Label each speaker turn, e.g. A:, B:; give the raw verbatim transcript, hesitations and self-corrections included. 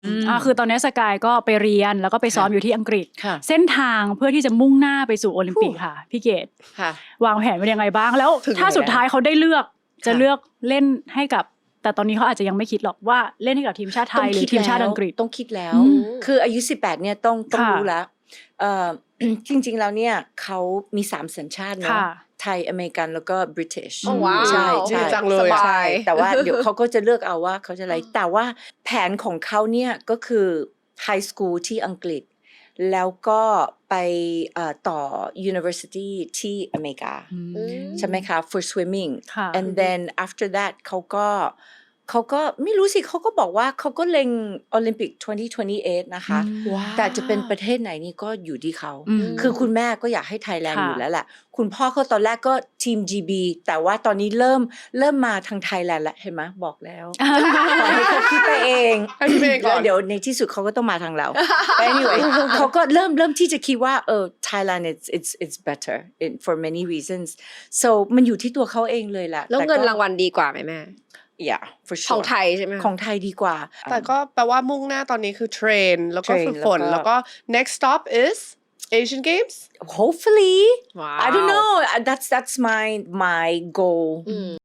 A: อ่าคือตอนนี้สกายก็ไปเรียนแล้วก็ไปซ้อมอยู่ที่อังกฤษ
B: ค่ะ
A: เส้นทางเพื่อที่จะมุ่งหน้าไปสู่โอลิมปิกค่ะพี่เกด
B: ค่ะ
A: วางแผนไว้ยังไงบ้างแล้ว
B: ถึง
A: ถ้าสุดท้ายเขาได้เลือกจะ
B: ค่ะ
A: เลือกเล่นให้กับแต่ตอนนี้เขาอาจจะยังไม่คิดหรอกว่าเล่นให้กับทีมชาติไทยหรือทีมชาติอังกฤษ
B: ต้องคิดแล้ว
A: อืม
B: คืออายุสิบแปดเนี่ยต้องต้อง
A: ค่ะ
B: รู้แล้วเอ่อ จริงๆแล้วเนี่ยเขามีสามสัญชาติเนาะ
A: ค่ะ
B: ไทยอเมริกันแล้วก็บริติช
C: โอ้ว้าว
B: ใช่ใช่
C: ดีจังเลย
B: ส
C: อะ
B: บายแต่ว่าเดี๋ยวเขาก็จะเลือกเอาว่าเขาจะอะไร แต่ว่าแผนของเขาเนี่ยก็คือไฮสคูลที่อังกฤษ แล้วก็ไปเอ่อต่อ University ที่อเมริกา
A: อืม
B: ใช่ไหมคะ for swimming
A: ค่ะ
B: and then after that เขาก็เขาก็ไม่รู้สิเขาก็บอกว่าเขาก็เล็งโอลิมปิกยี่สิบยี่สิบแปดนะคะ
A: อืม
B: แต่จะเป็นประเทศไหนนี่ก็อยู่ที่เขา
A: อืม
B: คือคุณแม่ก็อยากให้ไทยแลนด์
A: ค่ะ
B: อยู่แล้วแหละ คุณพ่อเขาตอนแรกก็ทีม จี บี แต่ว่าตอนนี้เริ่มเริ่มมาทางไทยแลนด์แล้วเห็นไหมบอกแล้วปล่อยให้เขาคิดไปเอง
C: ให้คิดไปเองก่อน
B: แล้วเดี๋ยวในที่สุดเขาก็ต้องมาทางเรา But anyway เขาก็เริ่มเริ่มที่จะคิดว่าเออ Thailand it's it's it's better in for many reasons so มันอยู่ที่ตัวเขาเองเลยแหละ
C: แล้ว
B: ต่
C: เงิน
B: ก็
C: รางวัลดีกว่าไหมแม่
B: yeah for
C: ของ
B: sure
C: ไทยใช่ไหม
B: ของไทยดีกว่า
D: แต่ก็แปลว่ามุ่งหน้าตอนนี้คือเทรนแล้วก็
B: เทรน
D: ฝึกฝน
B: แล้
D: แล้ว ว
B: ก็
D: ก็ next stop is Asian Games
B: hopefully
C: ว้าว
B: I don't know that's that's my my goal
C: อืม